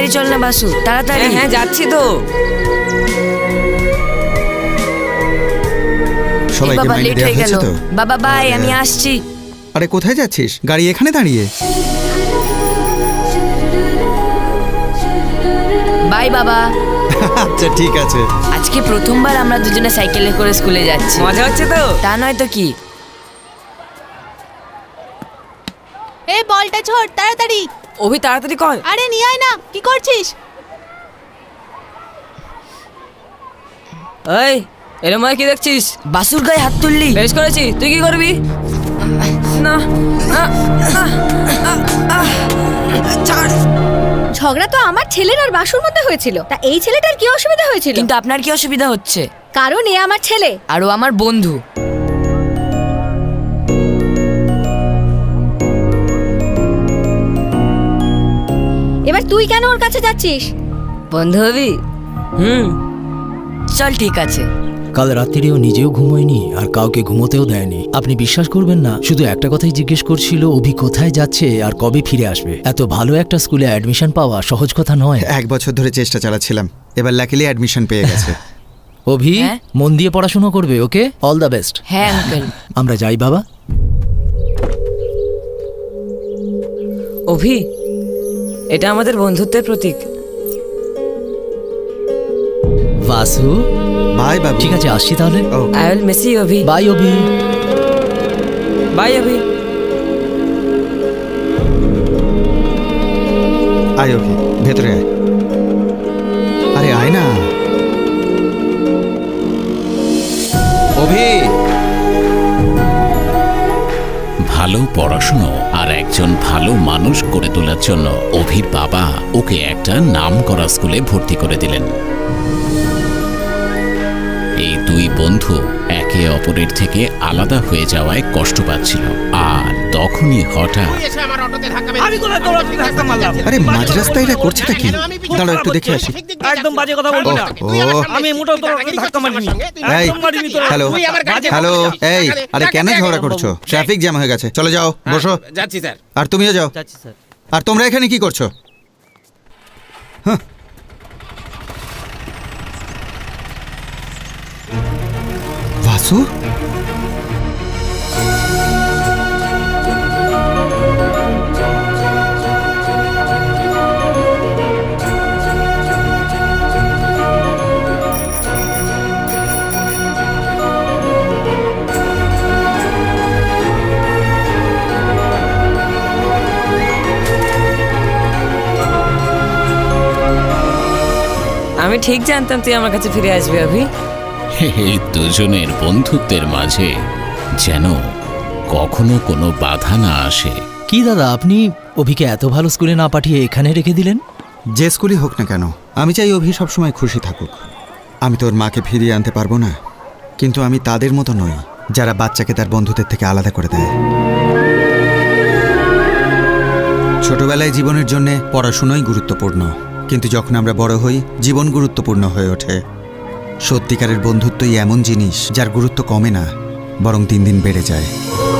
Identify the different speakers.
Speaker 1: তাড়াতাড়ি চল না বাসু, তাড়াতাড়ি।
Speaker 2: হ্যাঁ যাচ্ছি তো।
Speaker 3: সবাইকে
Speaker 1: বাবা
Speaker 3: মাইনে
Speaker 1: লেট
Speaker 3: দেওয়া
Speaker 1: হয়ে গেল।
Speaker 3: হয়েছে তো?
Speaker 1: বাবা বাই, আমি আসছি।
Speaker 3: আরে কোথায় যাচ্ছিস? গাড়ি এখানে দাঁড়িয়ে।
Speaker 1: বাই বাবা।
Speaker 3: আচ্ছা ঠিক আছে।
Speaker 1: আজকে প্রথমবার আমরা দুজনে সাইকেলে করে স্কুলে যাচ্ছি।
Speaker 2: মজা হচ্ছে তো?
Speaker 1: তা নয় তো কি।
Speaker 4: এই বলটা ছোড় তাড়াতাড়ি।
Speaker 2: অভি তাড়াতাড়ি কর।
Speaker 4: আরে নিয়ে আয় না, কি করছিস?
Speaker 2: এই এরম কি দেখছিস?
Speaker 1: বাসুর গায়ে হাত তুললি?
Speaker 2: বেশ করেছি, তুই কি করবি? না ছাড়।
Speaker 5: ঝগড়া তো আমার ছেলের আর বাসুর মধ্যে হয়েছিল, তা এই ছেলেটার কি অসুবিধা হয়েছিল?
Speaker 1: কিন্তু আপনার কি অসুবিধা হচ্ছে?
Speaker 5: কারণ এ আমার ছেলে।
Speaker 1: আর ও আমার বন্ধু।
Speaker 5: এবার তুই কেন ওর কাছে যাচ্ছিস?
Speaker 1: বন্ধু হবি? চল ঠিক আছে।
Speaker 6: কাল রাত্রিরেও নিজেও ঘুমোয়নি আর কাউকে ঘুমোতেও দেয়নি। আপনি বিশ্বাস করবেন না, শুধু একটা কথাই জিজ্ঞেস করছিল, অভি কোথায় যাচ্ছে আর কবে ফিরে আসবে। এত ভালো একটা স্কুলে অ্যাডমিশন পাওয়া সহজ কথা নয়।
Speaker 3: 1 বছর ধরে চেষ্টা চালাচ্ছিলাম, এবার লাকিলি অ্যাডমিশন পেয়ে গেছে।
Speaker 6: অভি
Speaker 1: হ্যাঁ?
Speaker 6: মন দিয়ে পড়াশোনা করবে, ওকে? All the best.
Speaker 1: হ্যাঁ আঙ্কেল।
Speaker 6: আমরা যাই বাবা।
Speaker 2: অভি, এটা আমাদের বন্ধুত্বের প্রতীক।
Speaker 6: বাসু
Speaker 3: বাই বাবু।
Speaker 6: ঠিক আছে, আসছি তাহলে।
Speaker 2: I will miss you Abhi.
Speaker 6: Bye Abhi.
Speaker 2: Bye Abhi.
Speaker 3: আয় অভি, ভেতরে আয়। আরে আয় না অভি।
Speaker 7: ভালো পড়াশুনো আর একজন ভালো মানুষ করে তোলার জন্য অভির বাবা ওকে একটা নামকরা স্কুলে ভর্তি করে দিলেন। এই দুই বন্ধু একে অপরের থেকে আলাদা হয়ে যাওয়ায় কষ্ট পাচ্ছিল, আর তখনই হঠাৎ
Speaker 3: আরে মাঝ রাস্তায় এটা করছেটা কি? দাঁড়াও একটু দেখে আসি।
Speaker 8: একদম বাজে কথা বলবি না। আমি মোটেও তোর ধাক্কা মারিনি।
Speaker 3: এই
Speaker 8: একদম মারিনি তোর।
Speaker 3: হ্যালো হ্যালো, এই আরে কেন ঝগড়া করছো? ট্রাফিক জ্যাম হয়ে গেছে, চলে যাও, বসো।
Speaker 8: যাচ্ছি স্যার।
Speaker 3: আর তুমিও যাও।
Speaker 8: যাচ্ছি স্যার।
Speaker 3: আর তোমরা এখানে কি করছো? হ্যাঁ। বাসু,
Speaker 2: আমি ঠিক জানতাম তুই আমার কাছে ফিরে আসবি অভি।
Speaker 7: এই দুজনের বন্ধুত্বের মাঝে যেন কখনো কোনো বাধা না আসে।
Speaker 6: কি দাদা, আপনি অভিকে এত ভালো স্কুলে না পাঠিয়ে এখানে রেখে দিলেন?
Speaker 3: যে স্কুলই হোক না কেন, আমি চাই অভি সবসময় খুশি থাকুক। আমি তোর মাকে ফিরিয়ে আনতে পারবো না, কিন্তু আমি তাদের মতো নই যারা বাচ্চাকে তার বন্ধুদের থেকে আলাদা করে দেয়। ছোটবেলায় জীবনের জন্য পড়াশোনাই গুরুত্বপূর্ণ, কিন্তু যখন আমরা বড় হই জীবন গুরুত্বপূর্ণ হয়ে ওঠে। সত্যিকারের বন্ধুত্বই এমন জিনিস যার গুরুত্ব কমে না, বরং দিন দিন বেড়ে যায়।